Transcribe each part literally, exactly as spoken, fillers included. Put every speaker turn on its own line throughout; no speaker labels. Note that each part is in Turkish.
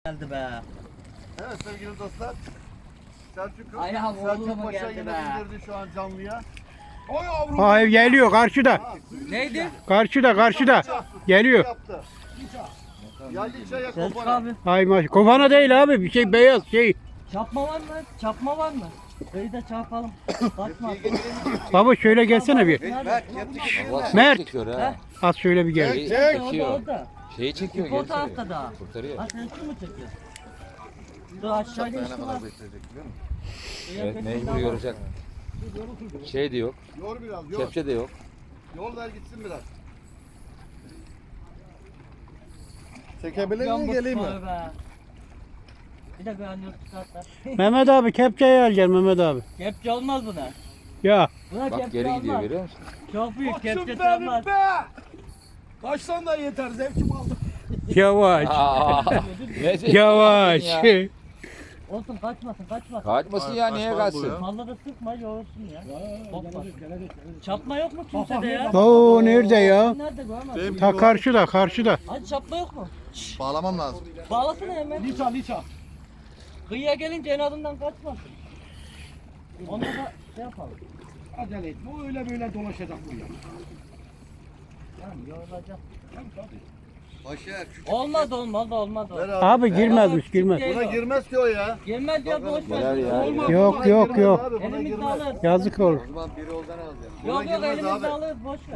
Geldi be.
Evet sevgili dostlar. Selçuk,
Ayağım oğlum
Selçuk
mu
Paşa
geldi
yine
be?
indirdi şu an canlıya.
Oy yavrum.
Hayır geliyor karşıda.
Neydi?
Karşıda karşıda. Geliyor.
Yaptı. Ya liçaya
Selçuk
kopana.
abi.
Ay maş. Kofana değil abi. Bir şey beyaz şey.
Çapma var mı? Çapma var mı? Öyle de çarpalım. Kaçma.
Baba şöyle gelsene bir.
Nerede?
Mert.
Çekiyor
He?
ha.
Az şöyle bir gel.
Şeyi
Orada
çekiyor.
orada.
Şeyi çekiyor.
Bu
geri
tarafta
çekiyor.
da.
Kurtarıyor.
Ha sen şu mu çekiyorsun? Dur aşağı geçti var.
Evet, mecbur yoracak. Şey de yok.
Yor biraz, yor.
Kepçe de yok.
Yol ver gitsin biraz. Çekebilir
Yan
miyim geleyim mi?
bakıyor be. Bir de granül çıkartlar.
Mehmet abi kepçeyi alacaksın Mehmet abi.
Kepçe olmaz buna.
Ya.
Buna
Bak
kepçe
geri gidiyor
olmaz.
görüyor musun?
Çok büyük
Koçum
kepçe
benim
olmaz.
be. Kaçsan da yeter zevkim aldım.
Yavaş.
Aa, ne zevkli
Yavaş.
ya.
Olsun kaçmasın kaçmasın.
Kaçmasın ya niye kaçsın?
Fazla da sıkma yoğursun ya. Hoppa. Çapma yok mu kimsede ya?
Oo nerede ya?
Nerede görmedin?
Ta karşıda karşıda.
Hadi çapma yok mu?
Bağlamam lazım.
Bağlasana hemen.
Liça liça.
Kıyıya gelince en adından kaçmasın. Onda da şey yapalım.
Acele etme. O öyle böyle dolaşacak bu ya.
Yani yorulacak.
Başar.
Olmaz olmaz olmaz.
Ver abi.
Abi girmezmiş girmez.
Buna girmez ki o ya.
Girmez ya boş
Neler
ver.
ya?
Olmaz.
Yok
Buna
yok
girmez
yok.
abi, buna
Elimizde
girmez.
alırız.
Yazık olur.
O zaman biri oldan alacağım.
Yok yok
girmez
elimizde
abi.
alırız boş ver.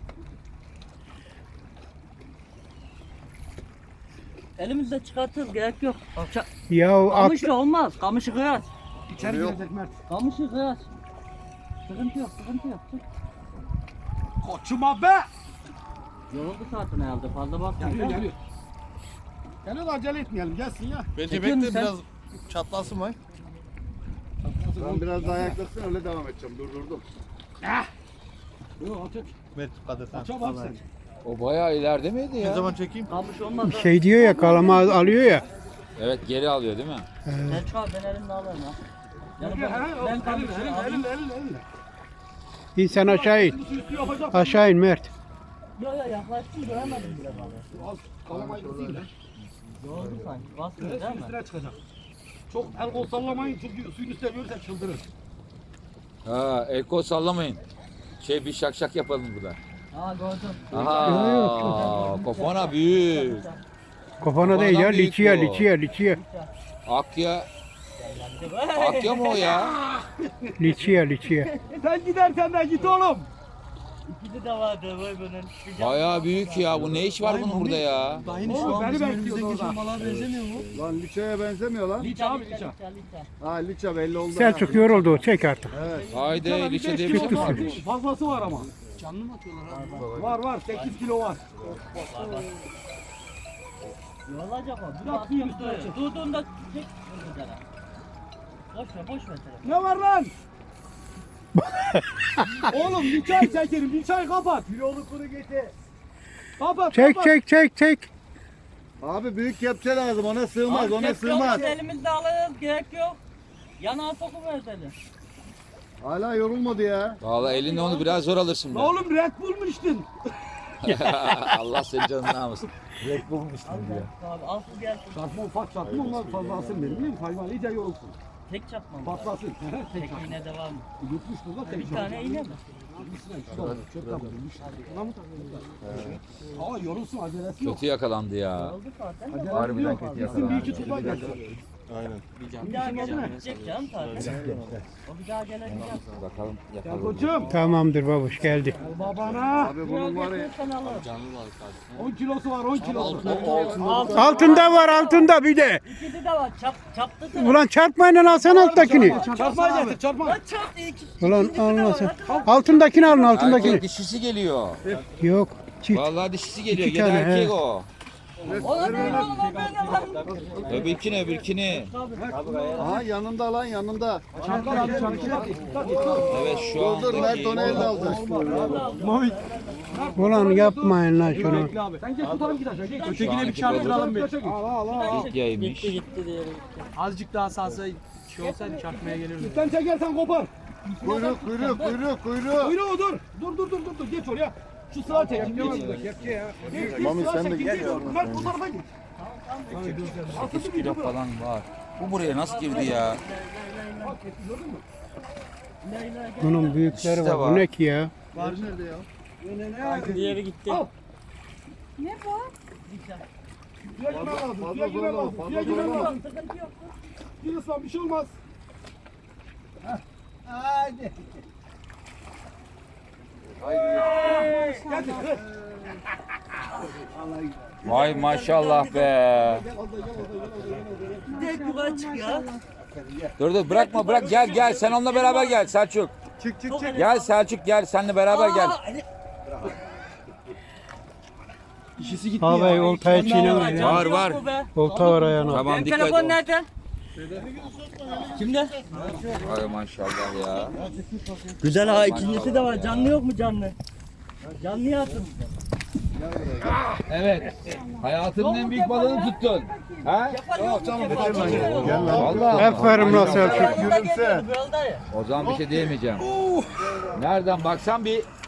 Elimizde çıkartırız gerek yok. Ça-
Ya at.
Kamışla olmaz. Kamışı kıyas.
İçeri
Yok.
girecek Mert.
Kamışı kıyas. Sıkıntı yok sıkıntı yok. Çık.
Koçuma be.
Yoruldu zaten herhalde fazla bakma.
Geliyor geliyor. Geliyor da acele etmeyelim gelsin ya.
Bence
Çekiyor musun sen?
çatlasın var. Ben biraz daha yaklaşsın öyle devam edeceğim. Durdurdum.
Yok aç aç.
Ver kadır.
Aç bak sen.
O bayağı ileride miydi ya?
Ne zaman çekeyim?
Kamış olmaz. ha.
Şey diyor ya kalama alıyor ya.
Evet geri alıyor değil mi?
Selçuk abi ben elimle alırım ha. Yani
Gel,
ben,
he,
ben
elin,
kamışı
elin,
alayım.
elin, elin, elin.
İn sen aşağı in.
Üstü üstü yapacak.
Aşağı in Mert.
Yok yok yaklaştım göremedim bile balığı.
Az kalamayı da değil.
Yoruldu sanki. Basmıyor
Evet,
değil
suyun
mi?
üstüne çıkacak. Çok el kol sallamayın çünkü suyun üstüne görürsen çıldırır.
Ha, el kol sallamayın. Şey bir şak şak yapalım burada.
Aa gördüm.
Aha, kofana büyük.
Kofana değil ya.
Kafadan büyük
Liçiye
bu.
liçiye liçiye.
Akya. Akya mı o ya?
Liçiye liçiye.
Sen gidersen de git oğlum.
İkisi de vardı vay bunun.
Bayağı büyük ya. Bu ne iş var bunun burada ya?
Oğlum beni bekliyor orada.
Lan liçaya benzemiyor lan.
Liça abi liça.
Liça liça.
Ha liça belli oldu.
Selçuk yoruldu. Çek artık.
Evet.
Haydi
Bir
liçe
beş
diye bir
kilo
şey
var.
varmış.
Fazlası var ama. Canlı mı atıyorlar abi? Var var sekiz kilo var.
Yorulacak o.
Bırak suyun üstüne çık.
Durduğunda çek. Dur bir tane. Boş ver boş ver telefonu.
Ne var lan? Oğlum bir çay çekerim, bir çay kapat.
Kilolu kuru getir.
Kapat,
Çek
kapat.
çek çek çek.
Abi büyük kepçe lazım ona sığmaz
Abi,
ona
kepçe
sığmaz.
olmaz, elimizde alırız gerek yok. Yanağa sokuver seni.
Hala yorulmadı ya.
Vallahi elinde onu biraz zor alırsın.
La
be.
oğlum Red Bull mu içtin?
Allah senin canını almasın. Red Bull mu içtin diyor.
Abi al su gelsin.
Çarpma ufak çarpma onlar fazlasın benim değil mi? Hayvan iyice yorulsun.
Tek çapmam.
Patlasın. Tek
Tek iğne devam.
Yutmuş burada tek
Bir tane iğne mi?
Aa yorulsun acelesi yok.
Kötü yakalandı ya.
Oldu zaten.
Acelesi
Harbiden
yok.
kötü
Gitsin
yakalandı.
bir iki tuba gelsin.
Bir daha gelecek canım tabii. O bir daha gelecek.
Bakalım
Gel
yapalım.
koçum.
Tamamdır babuş geldi.
Gel babana.
Abi bunun var ya.
Sen alır.
on kilosu var on kilosu.
Altında var altında bir de.
İkisi de var. Çap, çaptı sana.
Ulan çarpmayla alsan alttakini.
Çarpma getir çarpma.
Lan çarptı iki.
Ulan
ikisi de var.
almasın.
Hadi.
Altındakini alın
Erkek
altındakini.
dişisi geliyor.
Yok. Çift.
Vallahi dişisi geliyor.
İki
Gene
tane,
erkek
he.
o.
Ona değil oğlum o böyle lan.
Öbürkini öbürkini.
Aha yanında lan yanında.
Çarpma abi çarpma.
Evet şu
Dur
anda.
dur Mert onu elde alacak.
Ulan yapmayın lan şunu.
Sen gel tutalım git aşağı. Gel.
Ötekine bir çarptıralım
bir. Al al al.
İlk yaymış.
Gitti gitti diyelim.
Azıcık daha salsa şey olsaydı çarpmaya gelirdi.
Sen çekersen kopar.
Kuyruk kuyruk kuyruk kuyruk.
Kuyruğu dur. Dur dur dur dur dur. Geç oraya. Şu sıra çek. Geç. Geç.
Mami
sıra
sen de
çek,
gel
geç.
yavrum.
Mert bu tarafa git.
sekiz kilo falan var. Bu buraya nasıl girdi ya?
Bunun büyükleri
İşte
var.
var.
Bu ne ki ya?
Var nerede ya?
Diğeri gitti.
Ne bu?
Fazla fazla zorlama. Fazla zorlama.
Sıkıntı yok.
Yunus lan bir şey olmaz.
Hadi.
Vay maşallah be.
Direkt yukarı çık ya.
Dur dur bırakma bırak gel gel sen onunla beraber gel Selçuk.
Çık çık çık.
Gel Selçuk gel seninle beraber gel.
İşisi gitti
Ağabey
ya.
oltaya çiğnemez ya.
Var var.
Olta var ayağına.
Tamam
Benim
dikkat
telefon
et.
nerede? Kimde?
Vay maşallah ya.
Güzel ha, ikincisi de var. Canlı yok mu canlı? Canlı atın.
Evet. Hayatının en büyük balığını tuttun. Ha?
Yok canım.
Gel lan.
Vallahi.
Aferin lan Selçuk.
Gülümse.
O zaman bir şey diyemeyeceğim. Nereden baksan bir